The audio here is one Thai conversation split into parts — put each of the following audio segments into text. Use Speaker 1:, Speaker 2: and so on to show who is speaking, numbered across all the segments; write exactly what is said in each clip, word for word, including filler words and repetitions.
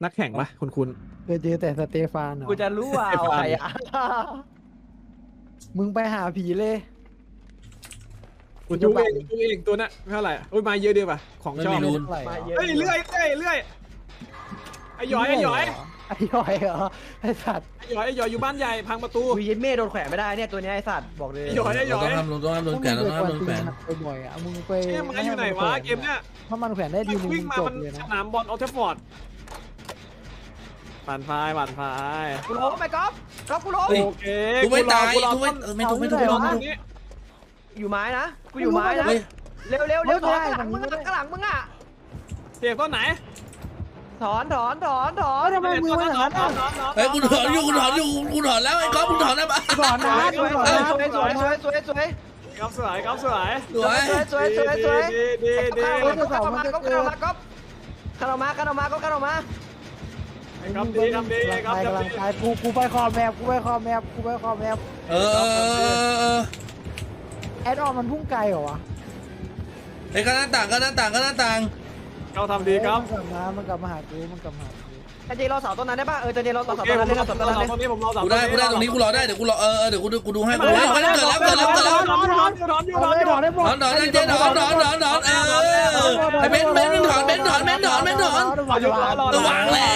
Speaker 1: นักแข่งปะคุณคุณ
Speaker 2: เคยเจอแต่สเตฟานเหรอ
Speaker 3: กูจะรู้ว่าเอาใครอ่ะ
Speaker 2: มึงไปหาผีเลย
Speaker 1: คุณจูเองจูเองตัวน่ะเท่าไหร่อุ้ยมาเยอะเดียวปะของชอบ
Speaker 4: ไม่รู้
Speaker 2: เท่าไหร่
Speaker 3: มา
Speaker 2: เหร
Speaker 3: เย
Speaker 2: อ
Speaker 3: อะ
Speaker 1: เฮ้ยเลื่อยเลื่อยเลื่อยไอ้หยอยไอ้หยอย
Speaker 2: ไอ้หยอยเหรอไอ้สัตว์
Speaker 1: ไอ้หยอยไอ้หยอยอยู่บ้านใหญ่พังประตู
Speaker 3: กูยินเม่โดนแขวนไม่ได้เนี่ยตัวเนี้ยไอสัตว์บอกเลย
Speaker 1: ไอ้หยอยไอ้หย
Speaker 4: เรา
Speaker 1: อย
Speaker 4: ต้องทำเราต้องทำโดนแขวนเราต้องทำโดนแขวน
Speaker 2: ไปบ่อยอ่ะมึงไป
Speaker 1: เกมมันอยู่ไหนวะเกมเนี้ย
Speaker 2: ถ้ามันแขวนได้ทีนึง
Speaker 1: วิ่งมา
Speaker 2: จบ
Speaker 1: มัน
Speaker 2: เลย
Speaker 1: ส
Speaker 2: นะ
Speaker 1: นามบอลออลเทฟฟอร์ดปั่นไฟปั่นไฟ
Speaker 3: กูล้มไปก๊อฟก๊อฟกูล้ม
Speaker 1: โอเค
Speaker 4: กูไม่ตาย
Speaker 1: รอ
Speaker 4: กูไม่เออไม่ถูกไม่ถูก
Speaker 1: กู
Speaker 4: ไม่
Speaker 1: ร
Speaker 4: ถู
Speaker 1: อก ต
Speaker 4: ไม่
Speaker 1: ร
Speaker 4: ถู
Speaker 1: ง
Speaker 4: ก
Speaker 1: นี้
Speaker 3: อยู่ไม้นะกูอยู่ไม้นะ
Speaker 4: เฮ้ย
Speaker 3: เร็วเร็วเร็วถอนข้างหลังมึงข้างหลังมึงอ่ะ
Speaker 1: เสียบต้นไหน
Speaker 3: ถอนถอนถอนถอน
Speaker 2: ทำไมมือมันอย่างนั้น
Speaker 1: นอ
Speaker 2: อ่ะ
Speaker 1: นนอน
Speaker 4: เฮ้ยกูถอนอยู่กูถอนอยู่กูถอนแล้วไอ้ก๊อฟกูถอนแล้วปะ
Speaker 2: ถอนนะ
Speaker 3: สวย
Speaker 2: ถอน
Speaker 3: สวย
Speaker 2: นะ
Speaker 3: สวยสวยสวยสวยสวย
Speaker 1: ครับสวยครับสวย
Speaker 4: สวย
Speaker 3: สวยสวยสวย
Speaker 1: ดีดีดี
Speaker 3: ข้ามาก๊อฟข้ามาก๊อฟข้ามาข้ามาก๊อฟข้ามา
Speaker 1: ครับดีครับดีครับ
Speaker 2: กำลังกายกูกูไปคอแมปกูไปคอแมปกูไปคอแมป
Speaker 4: เออเออเออเออ
Speaker 2: แอดออนมันพุ่งไกลเหรอวะ
Speaker 4: ไอ้ก็หน้าต่างก็หน้าต่างก็หน้าต่าง
Speaker 1: เขาทำดีครับ
Speaker 2: มันกลับมามันกลับมาหากูมันกลับมาหากู
Speaker 3: เจเราเสาต้นนั้นได้ป่ะเออเจเราเสา
Speaker 1: โอ
Speaker 3: ต้น
Speaker 1: เคผ
Speaker 3: นั้น
Speaker 1: ม
Speaker 3: ได้
Speaker 1: รอ
Speaker 3: เสา
Speaker 1: ต
Speaker 3: ต้นนั้นได้
Speaker 1: รงนี้ผมรอ
Speaker 4: กูได้กูได้ตรงนี้กูรอได้เดี๋ยวกูรอเออเออเดี๋ยวกูดูกูดูให้กูดูให้เกิดแล้วเกิดแล้วเกิดแล้วเกิดแล้ว
Speaker 1: ถอนถอนถอนถอนถอน
Speaker 2: ถอนได้หม
Speaker 4: ถ
Speaker 2: ด
Speaker 4: อนถอนเจ๊ถอนถอนถอนถอนเออไอ้เบนเบนถอนเบนถอนเบนถอนเบนถอน ระวังแล้ว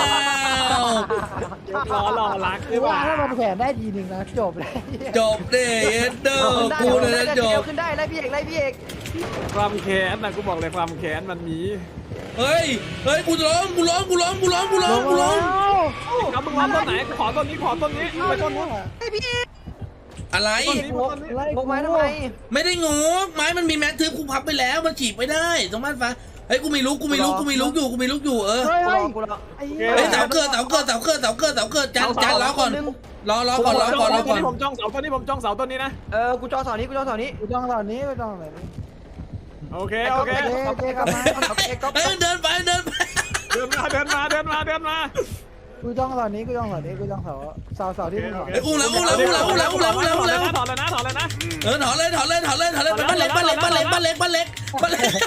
Speaker 1: รอรอรัก
Speaker 2: คือว่าถ้ามันแขวนได้ทีหนึ่งนะจบเลย
Speaker 4: จบเด้เอ็นเดอร์กูเลยนะจบ
Speaker 3: ขึ้นได้ไล่พี่เอกไล่พี่เอก
Speaker 1: ความแค้นนะกูบอกเลยความแค้นมันมี
Speaker 4: เฮ้ยเฮ้ยกูร้องกูร้องกูร้องกูร้องกูร้องกูร้อง
Speaker 1: ครับมึงรอต้นไหนขอต้นนี้ขอต้นนี้ไปต้นนู้น
Speaker 3: ไอพี่เอก
Speaker 4: อะไร
Speaker 3: งกงกไม้ทำไม
Speaker 4: ไม่ได้งกไม้มันมีแมททึบกูพับไปแล้วมันฉีกไม่ได้ตรงบ้านฟ้าเฮ้ยกูมีลุกกูมีลุกกูมีลุกอยู่กูมีลุกอยู่เออ
Speaker 2: เฮ้ย
Speaker 3: กูร
Speaker 2: เฮ้ย
Speaker 3: อกูรอ
Speaker 2: ไอ้
Speaker 4: เฮ้ยเสาเกิดเสาเกิดเสาเกิดเสาเกิดเสาเกิดจานจานรอก่อนรอรอก่อนรอก่อนรอก่อน
Speaker 1: ผมจ้องเสาต้นนี้ผมจ้องเสาต้นนี้นะ
Speaker 3: เออกูจอเสานี้กูจอเสานี้
Speaker 2: กูจ้องตอนนี้กูจ้องตอนนี้
Speaker 1: โอเคโอเค
Speaker 2: เจ๊เจ๊กลับมา
Speaker 4: เฮ้ยเดินไปเดินไป
Speaker 1: เดินมาเดินมาเดินมาเดินมา
Speaker 2: กูจ้องตอนนี้กูจ้องตอนนี้กูจ้องเสาเสาเสาที่มึงถอน
Speaker 4: ไอ้อุ้มแล้วอุ้มแล้วอุ้มแล้วอุ้มแล้วอุ้มแล้วอุ้มแล้วอุ้มแล้ว
Speaker 1: ถอดเลยนะถอดเลยนะ
Speaker 4: เออถอนเลยถอนเลยถอนเลยถอนเลยไปบ้านเล็กบ้านเล็กบ้านเล็กบ้านเล็กบ้านเล็กบ้านเล็ก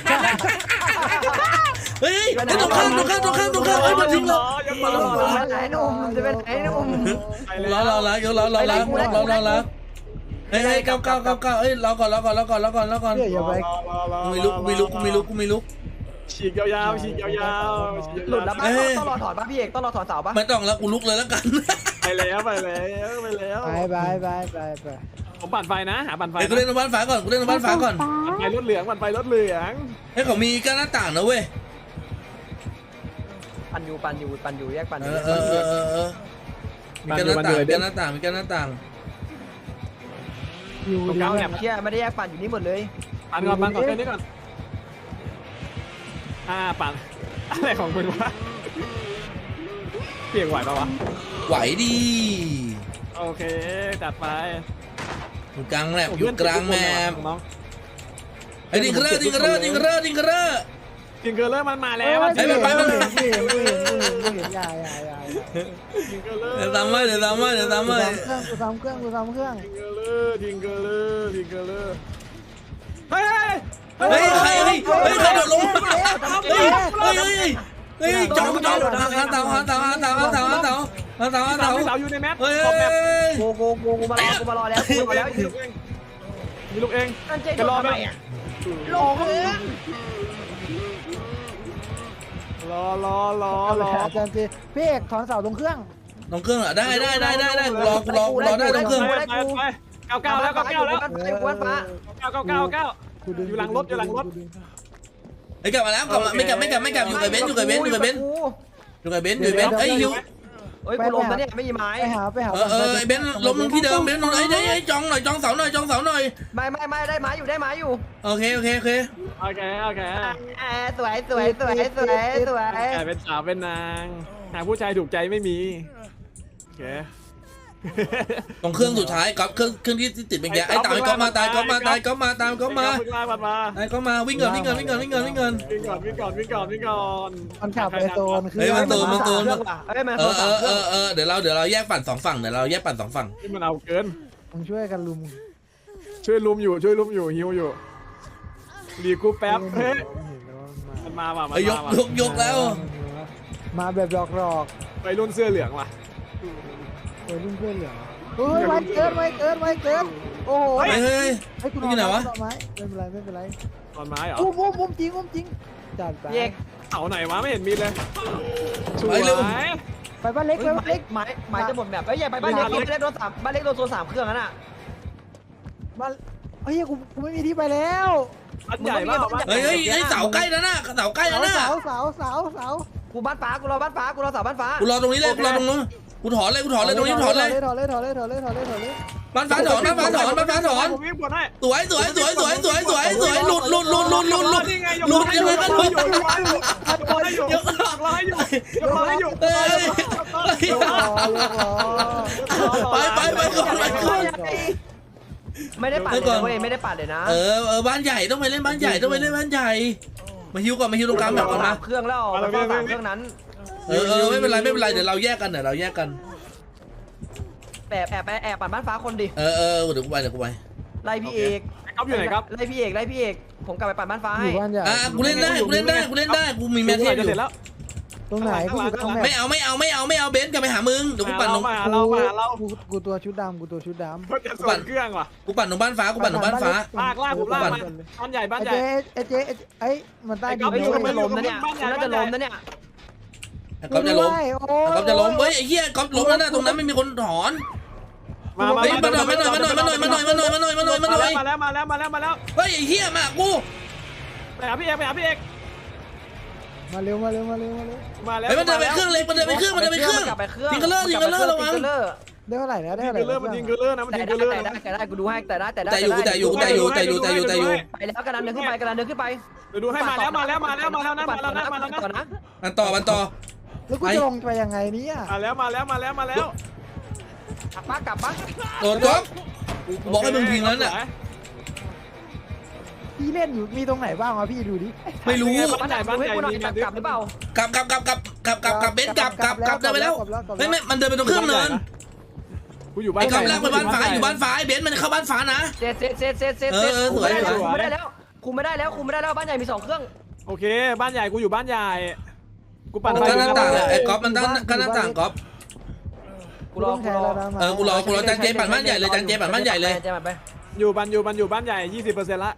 Speaker 4: เฮ้ยไอ้ตรงข้ามตรงข้ามตรงข้ามตรงข้ามไอ้มันทิ้งเรา
Speaker 1: ยังมา
Speaker 3: จะเป็นไหนนุ่มจะเป็นไหนนุ่ม
Speaker 4: รอรอรอเดี๋ยวรอรอรอรอรอรอเฮ้ยเฮ้ยเก้าเก้าเก้าเก้าเฮ้ยรอก่อนรอก่อนรอก่อนรอก่อนรอก่อน
Speaker 2: เดี๋ยวอย่าไป
Speaker 4: กูมีลุกกูมีลุกกูมีลุกกูมีลุก
Speaker 1: ฉีกยาวๆฉีกยาวๆ
Speaker 3: หลุดแล้วป่ะต้องรอถอนป่ะพี่เอกต้องรอถอนเสาป่ะ
Speaker 4: ไม่ต้องแล้วกูลุกเลยแล้วกัน
Speaker 1: ไปแล้วไปแล้วไปแล้ว
Speaker 2: ไปไปไปไปไป
Speaker 1: ผมปั่นไฟนะหาปั่นไฟ
Speaker 4: ไอ้กูเล่นบ้านฟ้าก่อนกูเล่นบ้านฟ้าก่อน
Speaker 1: ปั่นไฟรถเหลืองปั่นไฟรถเหลือง
Speaker 4: ไอ้เขามีกั้นหน้าต่างนะเว้ย
Speaker 3: ปั่นอยู่ปั่นอยู่ปั่นอยู่แยกปั่นอ
Speaker 4: เอยู่ อเออเออเออมีกั้นหน้าต่างมีกั้นหน้าต่างมีกั้นหน้าต่าง
Speaker 2: อยู่
Speaker 1: ตรง
Speaker 2: ดี
Speaker 1: กลาง
Speaker 2: แบ
Speaker 1: แบบ บ
Speaker 3: เชี่ยไม่ได้แยกปั่นอยู่นี่หมดเลย
Speaker 1: ปั่นก่อนปั่นก่อนแค่นี้ก่อนอ่าปั่นอะไรของคุณวะเปียกไหวปะวะ
Speaker 4: ไหวดี
Speaker 1: โอเคจัดไป
Speaker 4: อยู่กลางแมปอยู่กลางแมป
Speaker 1: น้อง
Speaker 4: ไอ้ดิงเกอร์ดิงเกอร์ดิงเกอร์ดิงเกอร์
Speaker 1: จิงเกอร์เลอร์มันมาแล้ว
Speaker 2: เฮ้ยไปมันเห็นเห็นเห็นเห็นเห็นอย่าอย่าอย่า
Speaker 1: จิงเกอร์เลอร์
Speaker 4: เดี๋ยวตามมาเดี๋ยวตามมาเดี๋ยวตามมา
Speaker 2: กูทำเครื่องกูทำเครื่องกูทำเครื่อง
Speaker 1: จิงเกอร์เลอร์จิงเกอร์เลอร์จิงเกอร์เลอร์เฮ้ย
Speaker 4: เฮ้ยใครเฮ้ยเฮ้ยใครโดดลงเฮ้ยเฮ้ยเฮ้ยเฮ้ยจ้องจ้องหาเต่าหาเต่าหาเต่าหาเต่าหาเต่าหาเต่าหา
Speaker 1: เต่า
Speaker 4: เต่า
Speaker 1: เต่าอยู่ในแมป
Speaker 4: เฮ้ย
Speaker 1: ขอบแมป
Speaker 3: โกโกโกกูมารอกูมารอแล้วกูมารอแล้ว
Speaker 1: มีลูกเองมีลูกเอง
Speaker 3: นั่นเจ๊รอทำไมอ่ะลงเลย
Speaker 1: รอรอรอรอ
Speaker 2: อาจารย์เจพี่เอกถอนเสาตรงเครื่อง
Speaker 4: ตรงเครื่องเหรอได้ได้ได้ได้ได้รอกูรอกูรอได้ตรงเครื่อง
Speaker 1: ไปไปไปเก้าเก้าแล้วเก้าเก้าแล้ว
Speaker 3: อยู่บนฟ้า
Speaker 1: เก้าเก้าเก้าเก้าอยู่หลังรถอยู่หลังรถ
Speaker 4: ไอ้กลับมาแล้วกลับมาไม่กลับไม่กลับไม่กลับอยู่กับเบนอยู่กับเบนอยู่กับเบนอยู่กับเบนอยู่กับเบนเอ้ยฮิว
Speaker 3: เฮ้ยกูลมนะเนี่ยไม่มีไม้
Speaker 2: ไปหาไปหา
Speaker 4: เออเออไอ้เบนล้มที่เดิมเบนลงไอ้ไอ้จองหน่อยจองเสาหน่อยจองเสาหน่อย
Speaker 3: ไม่ไม่ไม่ได้ไม้อยู่ได้ไม้อยู่
Speaker 4: โอเคโอเคโอเค
Speaker 1: โอเคโอเค
Speaker 3: สวยสวยสวยสวยสวย
Speaker 1: แกเป็นสาวเป็นนางหาผู้ชายถูกใจไม่มีโอเค
Speaker 4: ตรงเครื่องสุดท้ายก๊อฟเครื่องเครื่องที่ติดเป็นแกไอ้ตายก๊อฟมาตายก๊อฟมาตายก๊อฟมาตายก๊อฟมา
Speaker 1: วิ่งมาวิ่งมา
Speaker 4: ไอ้ก๊อฟมาวิ่งก่อนวิ่งก่อนวิ่งก่อนวิ่งก่อนวิ่งก่อน
Speaker 1: วิ่งก่อนวิ่งก่อนวิ่งก่อนวิ่งก่อน
Speaker 2: มันขับไปโซนคือ
Speaker 3: เอ้ยมัน
Speaker 4: เออเออเออเออเดี๋ยวเราเดี๋ยวเราแยกปั่นสองฝั่งเดี๋ยวเราแยกปั่นสองฝั่ง
Speaker 1: ที่มันเอาเกิน
Speaker 2: มึงช่วยกันลุม
Speaker 1: ช่วยลุมอยู่ช่วยลุมอยู่ฮิวอยู่รีกูแป๊บเฮ้ยมันมาว่ะมัน
Speaker 4: ไอ้ยก
Speaker 1: มาว่ะ
Speaker 4: ยกยกแล้ว
Speaker 2: มมาแบบหลอกหลอก
Speaker 1: ไปรุ่นเสื้อเหลืองว่ะ
Speaker 2: เออรุ่นเพื่อนเหลือเฮ้ยไว้เกินไว้เกินไว้เกินโอ้โห
Speaker 4: เฮ้ยเฮ้ย
Speaker 2: ไอ้คุณ
Speaker 4: นี่ไหนวะ
Speaker 2: เอาไม้ไม่เป็นไรไม่เป็นไร
Speaker 1: ตอนไม้เหรอ
Speaker 2: อุ้มอุ้มอุ้มจริงอุ้มจริงจัดไป
Speaker 3: พี่เอก
Speaker 1: เสาไหนวะไม่เห็นมีเลยสว
Speaker 4: ไปเร็ว
Speaker 1: ย
Speaker 2: ไปบ้านเล็กไปบ้านเล็ก
Speaker 3: ไม้ไม้จะหมดแบบเอ้ยอย่าไปบ้านเล็กบ้านเล็กโดนสามบ้านเล็กโดนโซนสามเครื่องนั่นน่ะ
Speaker 2: บ้านเฮ้ยกูกูไม่มีที่ไปแล้ว
Speaker 1: อันใหญ่มาก
Speaker 4: เฮ้ยเฮ้ยไอ้เสาใกล้แล้วนะเสาใกล้แล้วนะ
Speaker 2: เสาเสาเสาเสา
Speaker 3: กูบ้านฟ้ากูรอบ้านฟ้ากูรอเสาบ้านฟ้า
Speaker 4: กูรอตรงนี้เลยกูรอตรงนู้นกูถอนเลยกูถอนเลยตรงนี้ถอนเลย
Speaker 2: ถอนเลยถอนเลยถอนเลยถอนเลยถอนเลย
Speaker 4: บ้านฟ้าถอนบ้านฟ้าถอนบ้านฟ้าถอน
Speaker 1: ผมวิ่งบนให้
Speaker 4: สวยสวยสวยสวยสวยสวยสวยหลุดหลุดหลุดหลุดหลุดหลุด
Speaker 1: นี่ไงยก
Speaker 4: หลุด
Speaker 1: ให้
Speaker 4: ยังไงก็หลุด
Speaker 1: ยกให้อยู่ยกให้อยู่ยกให้อยู่ยกให้อยู่
Speaker 4: เฮ้ย
Speaker 2: ยกล้อยกล้อ
Speaker 4: ไปไปไปก่อนไปก่อน
Speaker 3: ไม่ได้ปัดเลยเว้ยไม่ได้ปัดเลยนะ
Speaker 4: เออเออบ้านใหญ่ต้องไปเล่นบ้านใหญ่ต้องไปเล่นบ้านใหญ่มาฮิวก่อนมาฮิวตรงกลางแบบก่อนมา
Speaker 3: เครื่องแล้วมันก็สามเครื่องนั้น
Speaker 4: เออเออไม่เป็นไรไม่เป็นไรเดี๋ยวเราแยกกันเดี๋ยวเราแยกกัน
Speaker 3: แอบแอบแอบปัดบ้านฟ้าคนดิ
Speaker 4: เออเออเดี๋ยวกูไปเดี๋ยวกูไป
Speaker 3: ไล่พี่เอก
Speaker 1: ก๊อฟอยู่ไหนครับ
Speaker 3: ไล่พี่เอกไล่พี่เอกผมกลับไปปัดบ้านฟ้า
Speaker 2: อ
Speaker 3: ให้
Speaker 2: ยู่บ้านใหญ่
Speaker 4: อ่ะกูเล่นได้กูเล่นได้กูเล่นได้กูมีแมทเท
Speaker 1: เส
Speaker 4: สอยู่
Speaker 1: ร็จแล้ว
Speaker 2: ตรงไหนกูอยู่ตรงแม
Speaker 4: ไม่เอาไม่เอาไม่เอาไม่เอาเบนซ์กลับไปหามึงเดี๋ยวกูปั่นตรง
Speaker 1: มาเรามาเรา
Speaker 2: กูกูตัวชุดดำกูตัวชุดดำ
Speaker 1: เขาจะส่งเครื่องว่ะ
Speaker 4: กูปั่นตรงบ้านฟ้ากูปั่นตรงบ้านฟ้า
Speaker 1: ลากลากผมลากมาบ้านใหญ่บ้าน
Speaker 2: ไอ้
Speaker 1: ใหญ่
Speaker 2: เจ๊ไอ้เจ๊ไอ้มันใต้ดิน
Speaker 3: ไอ้
Speaker 2: เล
Speaker 3: ยู
Speaker 2: ย
Speaker 3: มันจะล้มนะเนี่ยน่าจะล้มนะเนี่ย
Speaker 4: ก๊อฟจะล้ม
Speaker 2: โอ้
Speaker 4: ก๊อฟจะล้มเฮ้ยไอ้เหี้ยก๊อฟล้มแล้วนะตรงนั้นไม่มีคนถอน
Speaker 1: มามา
Speaker 4: เฮ้ยมาหน่อยมาหน่อยมาหน่อยมาหน่อยมาหน่อยมาหน่อยมาหน่อยมาหน่อยมาหน่อย
Speaker 1: มาแล้วมาแล้วมาแล้วมาแล้ว
Speaker 4: เฮ้ยไอ้เหี้ยมากู
Speaker 1: ไปหาพี่เอกไปหาพี่เอก
Speaker 2: มาเร็วมาเร็วมาเร็วมาเร็ว
Speaker 1: มาแล้ว
Speaker 4: เฮ้ยมันเดินไปเครื่องเล็กมันเดินไปเครื่องมันเดินไปเครื่อง
Speaker 3: กลับไปเครื่อง
Speaker 4: ยิงกันเลอร์ยิงกันเลอร์ระวัง
Speaker 2: ได้เท่าไหร่นะได้
Speaker 1: ยิง
Speaker 2: เท่าไหร่
Speaker 1: เกลือมันยิงเกลือนะมัน
Speaker 3: แต่
Speaker 1: ยิงเก
Speaker 3: ได้
Speaker 1: ลือ
Speaker 3: แต่ได้แต่ได้กูดูให้แต่ได้แต่ได้
Speaker 4: แต่อยู่แต่อยู่แต่อยู่แต่อยู่แต่อยู่แต่อยู่
Speaker 3: ไปแล้วกระดานเดินขึ้นไปกระดานเดินขึ้นไป
Speaker 1: เดี๋ยวดูให้มาแล้วมาแล้วมาแล้วมาแล้วนะมาแล้วนะมาแล้ว
Speaker 3: ก่อน
Speaker 1: นะ
Speaker 3: นะ
Speaker 4: มันต่อมันต่อ
Speaker 2: แล้วกูจะลงไปยังไงเนี่ย
Speaker 1: มาแล้วมาแล้วมาแล้วมาแล้ว
Speaker 3: กลับปะกลับปะ
Speaker 4: โดนก๊อฟกูบอกให้มึงยิงแล้วน่ะ
Speaker 2: พี่เล่นอยู่มีตรงไหนบ้างวะพี่ดูดิ
Speaker 4: ไม่รู้
Speaker 3: บ้านใหญ่บ้านใหญ่มีกลับหรือเปล่าก
Speaker 4: ลับกลับกลับกลับกลับกลับกลับเบนซ์กลับกลับกลับเดินไปแล้วไม่ไม่มันเดินไปตรงเครื่องเนิน
Speaker 1: กูอยู่บ้าน
Speaker 4: ไอ้ก๊อฟลากไปบ้านฟ้าอยู่บ้านฟ้าไอ้เบนซ์มันเข้าบ้านฟ้านะ
Speaker 3: เซตเซตเซตเซตเซตคุมไม่ได้แล้วคุมไม่ได้แล้วคุมไม่ได้แล้วคุมไม่ได้แล้วบ้านใหญ่มีสองเครื่อง
Speaker 1: โอเคบ้านใหญ่กูอยู่บ้านใหญ่กูปั่น
Speaker 4: ก็หน้าต่างไอ้ก๊อฟมันตั้งก็หน้าต่างก๊อฟ
Speaker 3: กูรอกูรอ
Speaker 4: เออกูรอกูรอจันเจปั่นบ้านใหญ่เลยจันเจปั่นบ้านใหญ่เลย
Speaker 3: เจปั่นไป
Speaker 1: อยู่บ้านอยู่บ้านอยู่บ้านใหญ่ยี่สิบเปอร์เซ็นต์ละ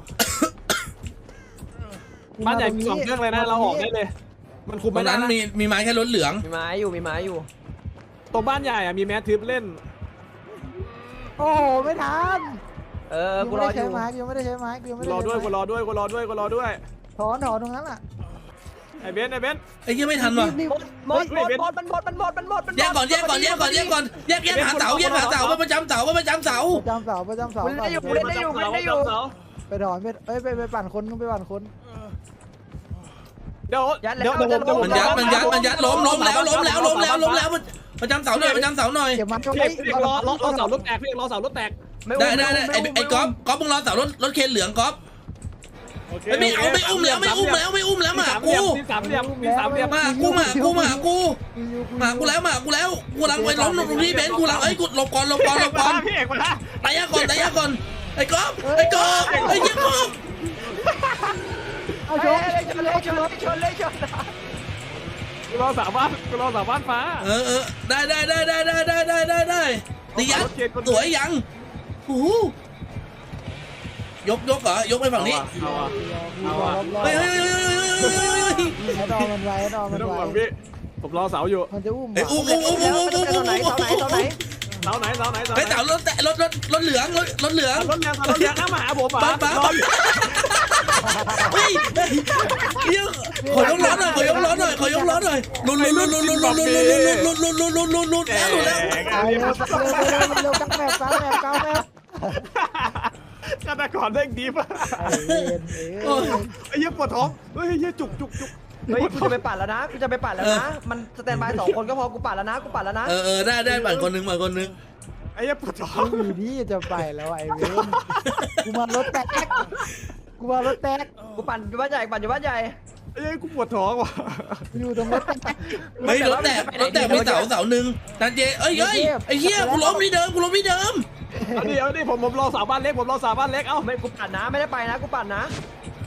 Speaker 1: บ้านใหญ่มีสองเครื่องเลยนะเราออกได้เลย มันคุม
Speaker 4: ตร
Speaker 1: ไม่
Speaker 4: ง
Speaker 1: ได้
Speaker 4: นั้น
Speaker 1: นะ
Speaker 4: มีมีไม้แค่รถเหลือง
Speaker 3: มีไม้อยู่มีไม้อยู่
Speaker 1: ตรงบ้านใหญ่อะมีแมททิปเล่น
Speaker 2: โอ้โหไม่ทัน
Speaker 3: เออ
Speaker 2: กู
Speaker 3: กู
Speaker 2: ร
Speaker 3: ร
Speaker 2: อ
Speaker 3: อ
Speaker 2: อ
Speaker 3: อยู่ ยู่
Speaker 2: ใช้ไม้กูยังไม่ได้ใช้ไม้กูยังไม่
Speaker 1: กู
Speaker 2: ได้
Speaker 1: รอด้วยกูรอด้วยกูรอด้วยกูรอด้วย
Speaker 2: ถอนถอนตรงนั้นอ่ะ
Speaker 1: ไอ้เบนไอ้เบน
Speaker 4: ไอ้เหี้ยไม่ทันว่ะ
Speaker 2: รีบ
Speaker 3: หมดหมดหมดมันหมดมันหมดมันหมดมัน
Speaker 4: แยกก่อนแยกก่อนแยกก่อนแยกก่อนแยกแยกหาเสาแยกหาเสาว่าประจำเสาว่าประจำเสา
Speaker 2: ประจำเสาประจำเสา
Speaker 3: กูเล่นได้อยู่กูเล่นได้อยู่กูเล่นได้อยู่
Speaker 2: ไปถอนไปเอ้ยไปไปปั่นคนไปปั่นคน
Speaker 1: เดี๋ยวเดี๋ยวเดี๋ยวผม
Speaker 4: มันยัดมันยัดมันยัดล้มล้มแล้วล้มแล้วล้มแล้วล้มแล้วประจำเสาหน่อยประจำเสาหน่อย
Speaker 2: เก็บมันก็
Speaker 1: พี่
Speaker 2: ไม่
Speaker 1: เอกรอรอรอเสารถแตกพี่เอกรอเสารถแตก
Speaker 4: ได้ได้ได้ไอ้ไอ้ก๊อฟก๊อฟมึงรอเสารถรถเคนเหลืองก๊อฟไม่เอาไม่อุ้มแล้วไม่อุ้มแล้วไม่อุ้มแล้วมากู
Speaker 1: มีสามเหลี่ยมมีสามเหลี่ยม
Speaker 4: มากูมากูมากูมากูแล้วมากูแล้วกูลังไปล้มตรงนี้เบนกูลังเอ้ยกูหลบก่อนหลบก่อนหลบก่อน
Speaker 1: พี่เอกมาละ
Speaker 4: ตายยาก่อนตายยาก่อนไอ้ก๊อฟไอ้ก๊อฟไอ้เหี้ยก๊อฟ
Speaker 2: เอาช
Speaker 3: ช
Speaker 2: ก
Speaker 3: นเลยชนเลยชนเลยชนเลย
Speaker 1: กูรอสามบ้านกูรอสามบ้านฟ้า
Speaker 4: เออเออได้ได้ได้ได้ได้ได้ได้ได้ได้ตียัดสวยยังโอ้โหยกยกเหรอยกไปฝั่งนี้
Speaker 1: เอาอ่ะ
Speaker 2: เอาอ่ะ
Speaker 4: เฮ้ยเฮ้ยเฮ้ยเฮ้ยเฮ้ย
Speaker 2: ไอ้ดอมันไว้ไอ้ดอ
Speaker 1: ไม่
Speaker 2: มัน
Speaker 1: ต้อง
Speaker 2: ไว้
Speaker 1: ห่วงพี่ผมรอเสาอยู่
Speaker 2: มันจะอุ้ม
Speaker 4: เฮ้ยอุ้มอุ้มอุ้มอุ้มอุ้มอุ้ม
Speaker 3: เสาไหนเสาไหนเสาไหน
Speaker 1: เสาไหนเสาไหนเสาไหน
Speaker 4: เฮ้ยเสารถแตะรถรถรถเหลืองรถรถเหลือง
Speaker 1: รถแรงรถแรงน้ามาหาผมอ่ะ
Speaker 4: ป้าป้าเฮ้ยเดี๋ยวขอยกล้อหน่อยขอยกล้อหน่อยขอยกล้อหน่อยลุนลุนลุนลุนลุนลุนลุนลุนลุนลุนลุนลุนลุนลุนแล้วลุนแล้ว
Speaker 2: ตายเร็วเร็วเร็วเร็วกลางแมปกลางแมปกลางแมป
Speaker 1: ฆาตกรเด้งดีป่ะ
Speaker 2: ไอ้เวนเอ้ย
Speaker 1: ไอ้เหี้ยปวดท้องเฮ้ยเหี้ยจุกจุกจุก
Speaker 3: เฮ้ยกูจะไปปัดแล้วนะกูจะไปปัดแล้วนะมันสแตนบายสองคนก็พอกูปัดแล้วนะกูปัดแล้วนะ
Speaker 4: เออเออได้ได้ปั่นคนนึงปั่นคนนึง
Speaker 1: ไอ้เหี้ยปวดท้อง
Speaker 2: ไม่มีที่จะไปแล้วไอ้เวนกูมารถแตกกูมารถแตก
Speaker 3: กูปั่นอยู่บ้านใหญ่ปั่นอยู่บ้านใหญ่
Speaker 1: ไอ้เหี้ยกูปวดท้องว่ะ
Speaker 2: อยู่ตรงรถแตก
Speaker 4: เฮ้ยรถแตกรถแตกมีเสาเสาหนึ่งนันเจเอ้ยเฮ้ยไอ้เหี้ยกูล้มที่เดิมกูล้มที่เดิม
Speaker 1: เอาดิเอาดิผมผมรอสาวบ้านเล็กผมรอสาวบ้านเล็กเอ้า
Speaker 3: ไม่กูปั่นนะไม่ได้ไปนะกูปั่นนะ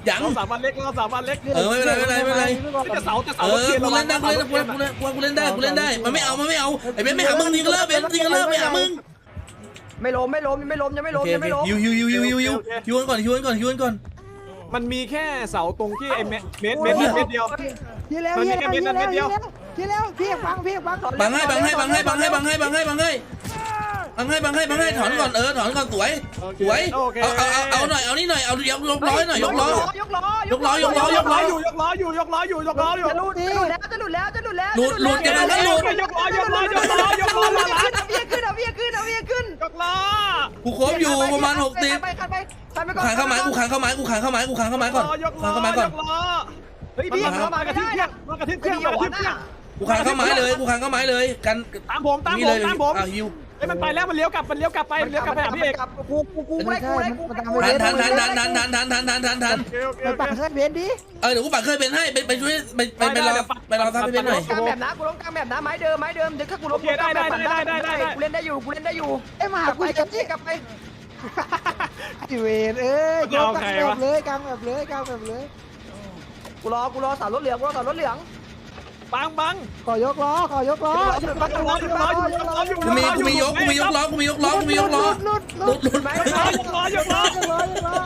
Speaker 4: ยัง
Speaker 1: เราสามวันเล็กเราสามวันเล็ก
Speaker 4: เออไม่เป็นไรไม่เป็นไรไม่เป็นไร
Speaker 1: จะเสาจะเสา
Speaker 4: เออกูเล่นได้กูเล่นกูเล่นกูเล่นกูเล่นได้กูเล่นได้มันไม่เอามันไม่เอาไอ้เบนไม่หามึงทีกันแล้วเบนทีกันแล้วไม่หามึง
Speaker 3: ไม่ล้มไม่ล้มยังไม่ล้มยังไม่
Speaker 4: โอ
Speaker 3: ล้ม
Speaker 4: เค
Speaker 3: ยังไม่ล้ม
Speaker 4: ฮิวฮิวฮิวฮิวฮิวฮิวฮิวก่อนฮิวก่อนฮิวก่อน
Speaker 1: มันมีแค่เสาตรงที่ไอ้เม็ดเม็ดเม็ดเม็ดเดียว
Speaker 2: ทีแล้วทีแล้วทีแล้วทีแล้วทีแล้วพี่ฟังพี่ฟัง
Speaker 4: บังให้บังให้บังให้บังให้บังให้บังให้บังให้บังให้บังให้บังให้ถอนก่อนเออถอนก่อนสวยสวยเอาเอาเอาเอาหน่อยเอานี่หน่อยเอายกยกล้อหน่อยยกล้อย
Speaker 3: กล้อย
Speaker 4: กล้อยกล้อยกล้อ
Speaker 1: อยู่ยกล้ออยู่ยกล้ออยู่ยกล้ออยู่
Speaker 3: จะหลุดจะหลุดแล้วจะหลุดแล้วจะหลุดแล้ว
Speaker 4: หลุดหลุดกันแล้วหลุด
Speaker 1: ยกล้อยกล้อยกล้อยกล้อมาละ
Speaker 3: เอาเวียขึ้นเอาเวียขึ้นเอาเวียขึ้น
Speaker 1: ยกล้อ
Speaker 4: กูครบอยู่ประมาณหกสิบ
Speaker 3: ไปขันไปขันไปก่อน
Speaker 4: ขางเข้าไม้กูขางเข้าไม้กูขางเข้าไม้กูขางเข้าไม้ก่อน
Speaker 1: ยกล้
Speaker 4: ขาง
Speaker 1: อ
Speaker 4: เข้าไม้ก่อน
Speaker 1: ยกล้อเฮ้ย
Speaker 3: พี่
Speaker 1: พี่
Speaker 3: เข้ามาม
Speaker 1: ากระทืบ
Speaker 3: ไม่
Speaker 1: เค
Speaker 3: ได้
Speaker 1: รื่องมากระทืบเครื่องมากระทืบเครื่อง
Speaker 4: กูขางเข้าไม้เลยกูขางเข้าไม้เลยกัน
Speaker 1: ตามผมตาม
Speaker 4: นี่
Speaker 1: ผ
Speaker 4: เล
Speaker 1: ม
Speaker 4: ย
Speaker 1: ตามผม
Speaker 4: อ่ะฮิว
Speaker 1: ไอ้มันไปแล้วมันเลี้ยวกลับมันเลี้ยวกลับไปเลี้ยวกลับไปหาพี่เอก
Speaker 3: กูกูกูไม่กูไม่กูไม่กู
Speaker 4: ทันทันทันทันทันทันทันทันทันทันทัน
Speaker 1: โอเคโอเค
Speaker 2: ไป
Speaker 1: โอ
Speaker 2: ปัก
Speaker 1: เค
Speaker 2: ให้เบนดิ
Speaker 4: เออเดี๋ยวกูปักเคยเป็นให้ไปไปช่วยไปไปไปรอไปรอซับให้เป็นหน่อย
Speaker 3: กลางแบบนะกูล้มกลางแบบนะไม้เดิมไม้เดิมเดี๋ยวถ้ากูล้มกูเล่นได้อยู่กูเล่นได้อยู่
Speaker 2: ไอ้มา
Speaker 3: กลับ
Speaker 2: กู
Speaker 3: ไปก
Speaker 2: จะ
Speaker 3: ลับไป
Speaker 2: นี่
Speaker 3: กลับไป
Speaker 2: ไอเวนเอ้ยกลางแบบเลยกลางแบบเลยกลางแบบเลย
Speaker 3: กูรอกูรอสาวรถเหลืองกูรอสาวรถเหลือง
Speaker 1: บังบัง
Speaker 2: ขอยกล้อขอยกล้อ
Speaker 1: บังยกล้อยกล้อยกล้ออยู่
Speaker 4: กูมีกูมียกกูมียกล้อกูมียกล้อกูมียกล้อ
Speaker 2: หลุดห
Speaker 4: ห
Speaker 2: ลุ
Speaker 4: ลุ
Speaker 2: ด
Speaker 4: ดหลุด
Speaker 3: ไหม
Speaker 1: ยกล้อยกล้อยกล้อย
Speaker 2: ยกล้อยกล้อ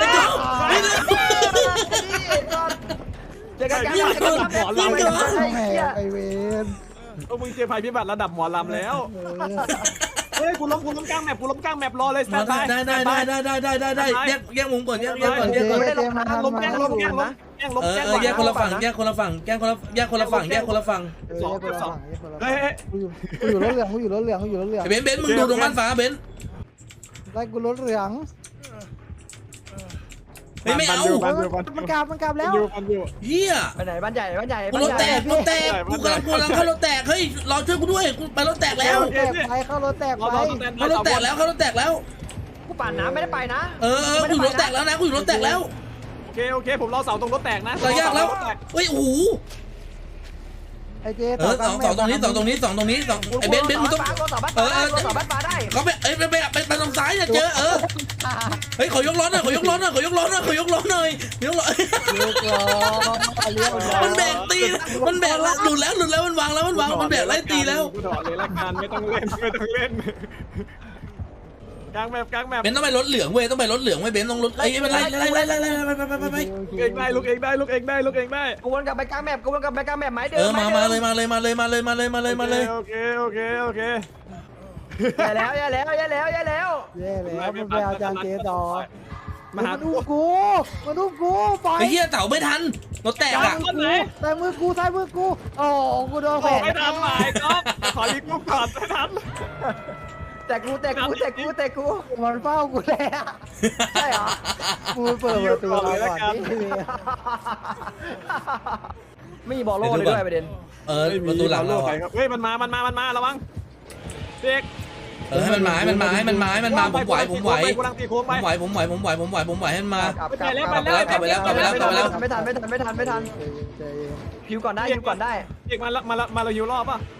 Speaker 3: เจอกันกัน
Speaker 2: ไอเวน
Speaker 1: โอ้มึงเจอภัยพิบัติระดับหมอลำแล้วเฮ้ยกูล้มกูล้มกลางแมปกูล้มกลางแมปรอเลยสแตนบาย
Speaker 4: ได้ได้ได้ได้ได้ได้ได้ได้แยกแยกมุมก่อนแยกแยกก่อนแยกก่อน
Speaker 3: ไม่ได้ลงน้ำ
Speaker 1: ล้มแกล้งล้มแกล้งล้มแกล้งล้ม
Speaker 4: เออ
Speaker 1: แกล้ง
Speaker 4: เออแยกคนละฝั่งแยกคนละฝั่งแยกคนละแยกคนละฝั่งแยกคนละฝั่ง
Speaker 2: สองสอง
Speaker 1: เฮ้ย
Speaker 2: กูอยู่กูอยู่รถเหลืองกูอยู่รถเหลืองกูอยู่รถเหลือง
Speaker 4: เบนเบนมึงดูตรงบ้านฟ้าเบน
Speaker 2: ไล่กูรถเหลือง
Speaker 4: ไม่เอา
Speaker 2: มันกลับมันกลับแล้ว
Speaker 1: อยู่กันอยู่
Speaker 4: เฮีย
Speaker 3: ไปไหนบ้านใหญ่บ้านใหญ่
Speaker 4: กูรถแตกรถแตกกูกำลังกูกำลังเข้ารถแตกเฮ้ยรอช่วยกูด้วยกูไปรถแตกแล้ว
Speaker 2: แตกไปเข้ารถแตกไป
Speaker 4: เข้ารถแตกแล้วเข้ารถแตกแล้ว
Speaker 3: กูปั่นน้ำไม่ได้ไปนะ
Speaker 4: เออเออกูอยู่รถแตกแล้วนะกูอยู่รถแตกแล้ว
Speaker 1: โอเคโอเคผมรอเสาตรงรถแตกนะ
Speaker 4: เรายากแล้วเฮ้ยโอ้โห
Speaker 2: ไอเจ
Speaker 4: เออสองสองตรงนี้สองตรงนี้สองตรงนี้สองไอ้เบนเบนมึงต้อง
Speaker 3: รถสาวบ้านฟ้าได้รถสาวบ้านฟ้าได้
Speaker 4: เขาไปเอ้ยไปไปไปไปทางซ้ายเนี่ยเจอเออเฮ้ยขอยกล้อหน่อยขอยกล้อหน่อยขอยกล้อหน่อยขอยกล้อหน่อยยกล้อ
Speaker 2: เลี้ยวกล้อเลี้ยว
Speaker 4: มันแบกตีมันแบกแล้วหลุดแล้วหลุดแล้วมันวางแล้วมันวางมันแบกไล่ตีแล้ว
Speaker 1: กูถอดเลยละกันไม่ต้องเล่นไม่ต้องเล่นกลางแมปกลางแมป
Speaker 4: เบนต้องไปรถเหลืองเว้ยต้องไปรถเหลืองเว้ยเบนต้องรถไอ้เป็นไรไล่ไล่ไล่ไล่ไปไปไปไปไป
Speaker 1: เองได้ลูกเองได้ลูกเองได้ลูกเองได้
Speaker 3: กูวนกลับไปกลางแมปกูวนกลับไปกลางแมปไม้เดิ
Speaker 4: เอ
Speaker 3: ม
Speaker 4: อมามาเลยมาเลยมาเลยมาเลยมาเลยมาเลยมาเลย
Speaker 1: โอเคโอเคโอเค
Speaker 3: แย่แล้วแย่แล้วแย่แล้วแย่แล้ว
Speaker 2: แย่แล้วมันไปเอาจานเจต่อ
Speaker 1: มาหา
Speaker 2: มัน
Speaker 1: กู
Speaker 2: อุ้มกูมันอุ้มกูปล่อย
Speaker 4: ไอ้เหี้ยเต่าไม่ทันรถแตกอ่ะ
Speaker 2: แต่มือกูใส่มือกูโอ้กูโดนแข
Speaker 1: ขอ
Speaker 2: วน
Speaker 1: ไม่ทันหมายก็ขอรีบกูก่อนไม่ทัน
Speaker 3: แต่กูแต่กูแต่กูแต่กู
Speaker 2: มันเฝ้ากูแล้ว
Speaker 3: ใช่เหรอ
Speaker 2: กูเปิดประตูเราก่อนนี่
Speaker 3: ไม่มีบอลโล่เลยด้วยประเด็น
Speaker 4: เออประตูหลังเรา
Speaker 1: ไปครับเฮ้ยมันมามันมามันมาระวังเด็ก
Speaker 4: เออให้มันมาให้มันมาให้มันมาให้มันมาผมไหวผมไหว
Speaker 1: กูรังตีโค้ง
Speaker 4: ผ
Speaker 1: ไป
Speaker 4: มไหวผมไหวผมไหวผมไหวผมไหวให้มันมา
Speaker 3: ไม่ทันไม่ทันไม่ทันไม่ทันพิวก่อนได้พิวก่อนได้
Speaker 1: เด็กมาละมาละมาเราอยู่รอบป่ะ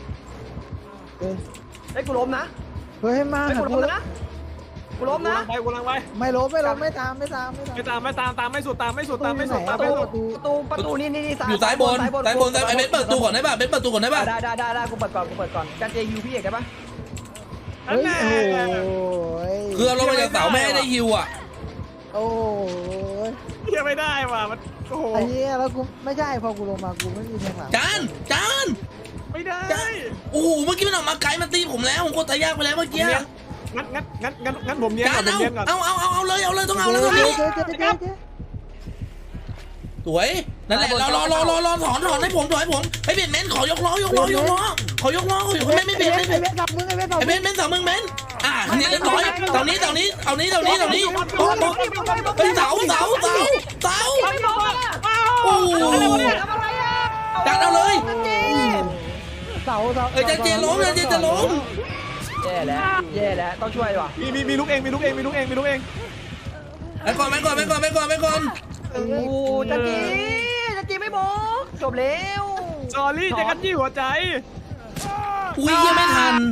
Speaker 3: ไอ้กูล้มนะ
Speaker 2: เฮ้ยมา
Speaker 3: ไอ้กูล้มนะกูล้มนะ
Speaker 1: ไปกูลังไป
Speaker 2: ไม่ล้มไม่ล้มไม่ตามไม่ตามไม่
Speaker 1: ไม่
Speaker 2: ตาม
Speaker 1: ตามไม่ตามตามไม่สุดตามไม่สุดตามไม่สุด
Speaker 3: ป
Speaker 1: ตาม
Speaker 3: ระ
Speaker 1: ไม่
Speaker 3: ตู
Speaker 1: สุด
Speaker 3: ประตูประตูนี่นี่นี่
Speaker 4: อยู่ซ้ายบนซ้ายบนไอ้เบนเปิดประตูก่อนได้ป่ะเบนเปิดประตูก่อนได้ป่ะ
Speaker 3: ได้ได้ได้ได้กูเปิดก่อนกูเปิดก่อนการเจยูพี่เอกได้ปะ
Speaker 2: เฮ้ยโอ้ย
Speaker 4: คือเราลงมาจากเสาไม่ให้ได้ฮิวอ่ะ
Speaker 2: โอ้ย
Speaker 1: เฮียไม่ได้ว่ะมันโอ้โห
Speaker 2: ไอ้เหี้ยแล้วกูไม่ใช่พอกูลงมากูไม่มีแทงหลัง
Speaker 4: จานจาน
Speaker 1: ไม่ได้
Speaker 4: โอ้โหเมื่อกี้มันออกมาไกลมันตีผมแล้วผมกดตายากไปแล้วเมื่อกี้
Speaker 1: งั้นงั้นงั้นงั้นงั้นผมเนี้ย
Speaker 4: จาน
Speaker 1: ผมเนี้ยก่อน
Speaker 4: เอาเอาเอาเอาเลยเอาเลยต้องเอาแล้ว
Speaker 2: เจ๊
Speaker 4: ตรงนี้
Speaker 2: เจ๊เจ๊เจ๊เจ๊
Speaker 4: สวยนั่นแหละรอรอรอรอรอถอนถอนให้ผมถอนให้ผมไอ้เบนเบนขอยกล้อยกล้อยกล้อขอยกล้อขอยกไม่ไม่เบนไม่
Speaker 2: ไอ้
Speaker 4: เบน
Speaker 2: เบนสับมึงไอ้เบนสับ
Speaker 4: ไอ้เบนเบนสองมึงเบนอ่ะนี่เรียบร้อยตรงนี้ตรงนี้เอานี้ตรงนี้ตรงนี้โอ้โหเฮ้ยเสาเสาเสาเสา
Speaker 3: ไม่บอกอ่ะ
Speaker 4: โอ้โห
Speaker 3: ทำอะไรอ่ะ
Speaker 4: จัดเอาเลย
Speaker 2: เสาเสา
Speaker 4: เอ้ยจันเจล้มจันเจจะล้ม
Speaker 3: แย่แล้วแย่แล้วต้องช่วยว่ะ
Speaker 1: มีมีมีลูกเองมีลูกเองมีลูกเองมีลูกเอง
Speaker 4: ไปก่อนไปก่อนไปก่อนไปก่อนไปก่อน
Speaker 3: โอ้จันจีจันจีไม่บอกจบแล้ว
Speaker 1: จอรี่จะกันยี่หัวใจ
Speaker 4: อุ้ยยังไม่ทัน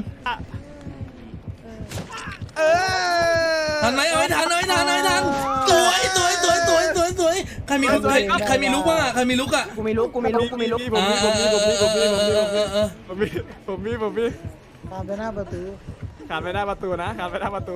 Speaker 1: เออ
Speaker 4: ทันไหมเอาไม่ทันเอาไม่ทันเอาไม่ทันสวยสวยสวยสวยสวยสวยมีใครใครมีลุกบ้างอะใครมีลุกอะ
Speaker 3: กูมีลุกกูมีลุกกูมีลุก
Speaker 1: ผมมีผมมีผมมีผมมีผมมี
Speaker 4: เออเออ
Speaker 1: ผมมีผมมีผมมี
Speaker 2: ตามไปหน้าประตู
Speaker 1: ขาดไปหน้าประตูนะขาดไปหน้าประตู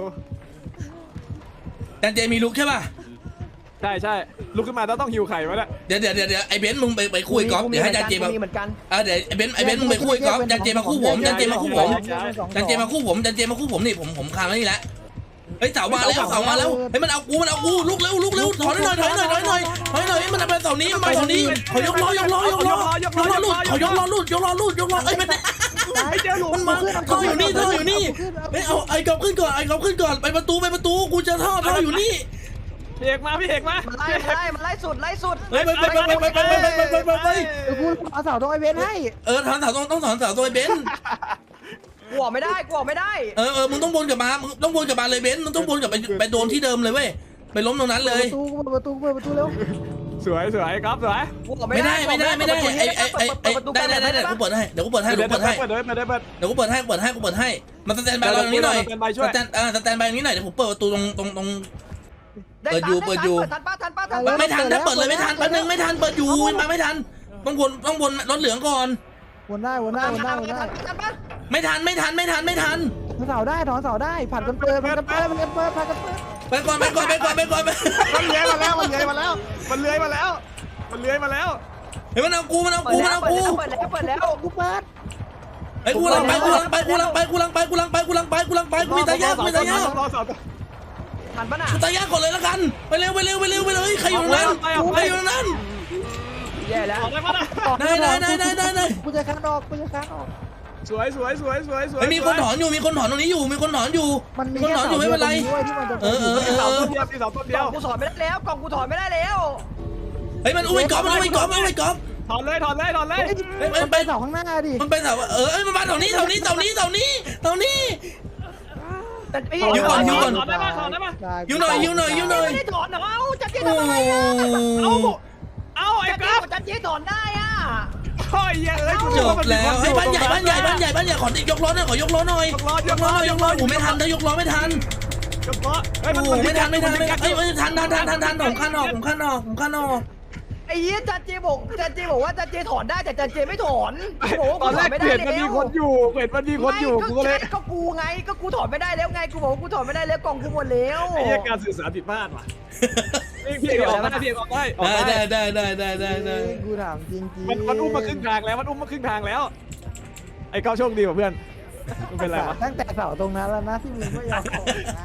Speaker 4: จันเจมีลุกใช่ป่ะ
Speaker 1: ใช่ใช่ลุกขึ้นมาแล้วต้องหิวไข่มาเนี่ย
Speaker 4: เดี๋ยวเดี๋ยวเดี๋ยวไอ้เบนซ์มึงไปไปคุยกอล์ฟเดี๋ยวให้จันเจมา
Speaker 3: มีเหมือนกัน
Speaker 4: อ่าเดี๋ยวไอ้เบนซ์ไอ้เบนซ์มึงไปคุยกอล์ฟจันเจมาคู่ผมจันเจมาคู่ผมจันเจมาคู่ผมจันเจมาคู่ผมนี่ผมผมคานไว้นี่แหละเฮ้ยเสามาแล้วเสามาแล้วเฮ้ยมันเอากูมันเอากูลุกเร็วลุกเร็วถอยหน่อยถอยหน่อยถอยหน่อยถอยหน่อยมันเอาไปเสานี้มันมาเสานี้ขอยกล้อยกล้อยกล้อยกล้อลุดขอยกล้อลุดยกล้อลุดยกล้อเอ้ยมัน
Speaker 1: ไม่เจอหลุม
Speaker 4: มันมาท่ออยู่นี่ท่ออยู่นี่เฮ้ยเอาไอ้กอล์ฟขึ้นก่อนไอ้กอล์ฟขึ้นก่อนไปประตูไปประตูกูจะท่อท่ออยู่นี่
Speaker 1: พี่เอกมาพี่เอกมา
Speaker 3: มันไล่มันไล่มันไล่สุดไล่สุด
Speaker 4: เฮ้ยไปไปไปไปไปไปไปไปไปไป
Speaker 2: เดี๋ยวกูเอาเสาตรงไอเวนให้
Speaker 4: เออถอนเสาต้องต้องถอนเสาตัวไอ้เบนซ์
Speaker 3: กูออกไม่ได้กูออกไม่ได้
Speaker 4: เออเออมึงต้องวนกลับมามึงต้องวนกลับมาเลยเบนซ์มึงต้องวนกลับไปไปโดนที่เดิมเลยเว้ยไปล้มตรงนั้นเลย
Speaker 2: ประตูกูเปิดประตูเปิดประตูเร็ว
Speaker 1: สวยสวยครับสวย
Speaker 3: กูออก
Speaker 4: ไม่ได้ไม่ได้ไม่ได้ไอ้ไอ้ไอ้ไอ้ได้ได้ได้กูเปิดให้เดี๋ยวกูเปิดให้เดี๋ยวกูเปิดให้
Speaker 1: เปิดเลยเปิดเลยเปิด
Speaker 4: เดี๋ยวกูเปิดให้กูเปิดให้กูเปิดให้มาสแตนบายตรงนี้หน่อยสแตนเออสแตนบายตรงนี้หน่อยเดี๋ยวผมเปิดประตูตรงตรงตรง เปิดอยู่เปิดอยู่
Speaker 3: ทันป้าทันป้าทันป้า
Speaker 4: ไม่ทันนะเปิดเลยไม่ทันแป๊บนึงไม่ทันเปิดอยู่มาไม่ทันต้องวนต้องวนรถเหลืองก่อน
Speaker 2: วนได้วนได้วนได้วนได้
Speaker 3: ทันป้า
Speaker 4: ไม่ทันไม่ทันไม่ทันไม่ทัน
Speaker 2: ถอนเสาได้ถอนเสาได้ผัดกันเปิดผัดกันเปิดผัดกันเปิดผัดกันเปิด
Speaker 4: ไปก่อนไปก่อนไปก่อนไปก่อนไป
Speaker 1: มันเลื้อยมาแล้วมันเลื้อยมาแล้วมันเลื้อยมาแล้วมันเลื้อยมาแล้ว
Speaker 4: เฮ้ยมันเอากูมันเอา
Speaker 3: เปิ
Speaker 4: กู
Speaker 3: ด
Speaker 4: มัน
Speaker 3: แล้ว
Speaker 4: เอา
Speaker 3: เปิด
Speaker 4: กู
Speaker 3: แล้วเปิดแล้วเปิดแล้ว
Speaker 2: กูเปิด
Speaker 4: ไอ้กูลังไปกูลังไปกูลังไปกูลังไปกูลังไปกูลังไปกูลังไปกูมีตายากกูมีตายาก
Speaker 1: รอสอง
Speaker 3: ทันป้าน่ะ
Speaker 4: กูตายากก่อนเลยละกันไปเร็วไปเร็วไปเร็วไปเลยใครอยู่ตรงนั้นใครอยู่ตรงนั้น
Speaker 3: แย่แล้ว
Speaker 1: ออกได้ปะนะ
Speaker 4: ได้ได้ได้ได้ได้ได้
Speaker 2: กูจะคันออกกูจะคันออก
Speaker 1: สวยสวยสวยสวยสวย
Speaker 4: ไอ้มีคนถอนอยู่มีคนถอนตรงนี้อยู่มีคนถอนอยู่
Speaker 2: มันมี
Speaker 4: คน
Speaker 2: แค่
Speaker 4: ถอน
Speaker 2: เสา
Speaker 4: อยู่ไม่เป็นไร
Speaker 2: ดียวที่มันจะ
Speaker 4: เออเออ
Speaker 1: มีเสาต้นเดียวมีเสาต้นเดี
Speaker 3: ก
Speaker 1: ย
Speaker 3: ล่อ
Speaker 1: ว
Speaker 3: งกูถอนไม่ได้แล้วกล่องกูถอนไม่ได้แล้ว
Speaker 4: เฮ้ยมันอุ้ยกอล์ฟมันอุ้ยกอล์ฟมันอุ้ยกอล์ฟ
Speaker 1: ถอนเลยถอนเลยถอนเลย
Speaker 2: มันไปเสาข้างหน้าดิ
Speaker 4: มันไปแถวเออมันมาแถวนี้แถวนี้แถวนี้แถวนี้แถวนี้
Speaker 3: แต่พี่
Speaker 4: อยู่ก่อนอยู่ก่อน
Speaker 1: ถอนได้ปะถอนได้ปะ
Speaker 4: ยิวหน่อยยิวหน่อยยิวหน่อย
Speaker 3: ไม่ได้ถอนเหรอเอ้าจันเจ
Speaker 4: โอ้
Speaker 3: ทำอะไรอ่ะ
Speaker 1: เอาเอาไอ้
Speaker 3: จันเจ
Speaker 1: กราฟ
Speaker 3: จันเจถอนได้อ่ะ
Speaker 1: โอ้ยเอ้ย
Speaker 4: จบแล้วให้บ้านใหญ่บ้านใหญ่บ้านใหญ่บ้านใหญ่ขอยกล้อหน่อยขอยกล้อหน่อยยกล้อหน่อยยกล้อโอ้ไม่ทันถ้ายกล้อไม่ทัน
Speaker 1: ยกล้อเฮ้ย
Speaker 4: โอ้ไม่ทันไม่ทันไม่ทันเอ้ยไม่ทันทันทันทันทันผมขั้นออกผมขั้นออกผมขั้นออก
Speaker 3: ไอ้เหี้ยจันเจบอกจันเจบอกว่าจันเจถอนได้แต่จันเจไม่ถอนกูบอกว่า
Speaker 1: ต
Speaker 3: กู
Speaker 1: อน
Speaker 3: ถ
Speaker 1: แร
Speaker 3: อน
Speaker 1: ก
Speaker 3: ไม่ได้
Speaker 1: เห็น
Speaker 3: แล้
Speaker 1: มันมี
Speaker 3: ว
Speaker 1: คนอยู่เห็นมันมีคนอยู่กูก็เลย
Speaker 3: ก็กูไงก็กูถอนไม่ได้แล้วไงกูบอกว่ากูถอนไม่ได้แล้วกล่องกูหมดแล้ว
Speaker 1: ไอ้เหี้ยการสื่อสารผิดพลาดว่ะพี่เอกออกได้พี่เอกออกได้ออก
Speaker 4: ได้
Speaker 1: ได้
Speaker 4: ได้ได้ได้ได้ได้
Speaker 2: กูถามจริงจริง
Speaker 1: มันมันอุ้มมาครึ่งทางแล้วมันอุ้มมาครึ่งทางแล้ว ไอ้ก้าวโชคดีกว่าเพื่อนมันเป็นไรวะ
Speaker 2: ตั้งแต่เสาตรงนั้นแล้วนะที่มึงไม่ยอมออกนะ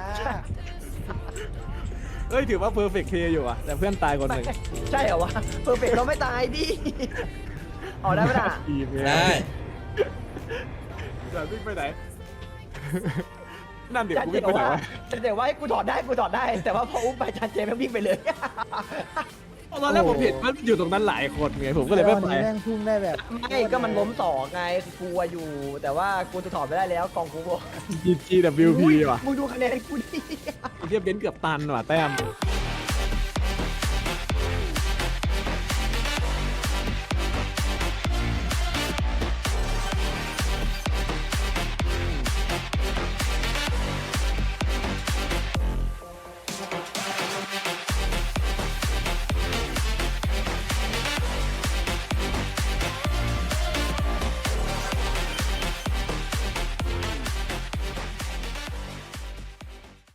Speaker 1: เอ้ยถือว่าเพอร์เฟกต์เคอยู่อ่ะแต่เพื่อนตายคนหนึ่ง
Speaker 3: ใช่เหรอวะเพอร์เฟกเราไม่ตายดิออกได้ไหมล่ะ
Speaker 1: ทีมเนี่ย
Speaker 4: ได้
Speaker 1: จะวิ่งไปไหนนั่นเดี๋ยว
Speaker 3: จัน
Speaker 1: กู
Speaker 3: เจ
Speaker 1: วิ่ง
Speaker 3: บ
Speaker 1: ไป
Speaker 3: อก
Speaker 1: ไหน
Speaker 3: ว่า
Speaker 1: วะ
Speaker 3: จันเจว่าให้กูถอนได้กูถอนได้ แต่ว่าพออุ้มไปจันเจแม่งวิ่งไปเลย
Speaker 1: ตอนแรกผมเห็นมันอยู่ตรงนั้นหลายคนไงผมก็เลยไม่ไป
Speaker 2: วันนี้แม่งพุ่งได้แบบ
Speaker 3: ไม่ก็มันล้มสองไงกูอยู่ แต่ว่ากูจะถอนไม่ได้แล้วกองกูบอก
Speaker 1: จีจีดับบิวพีว่ะ
Speaker 3: มึงดูคะแนนกูดิ
Speaker 1: ไอ้เทียบเบนซ์เกือบตันว่ะแต้ม
Speaker 3: ไ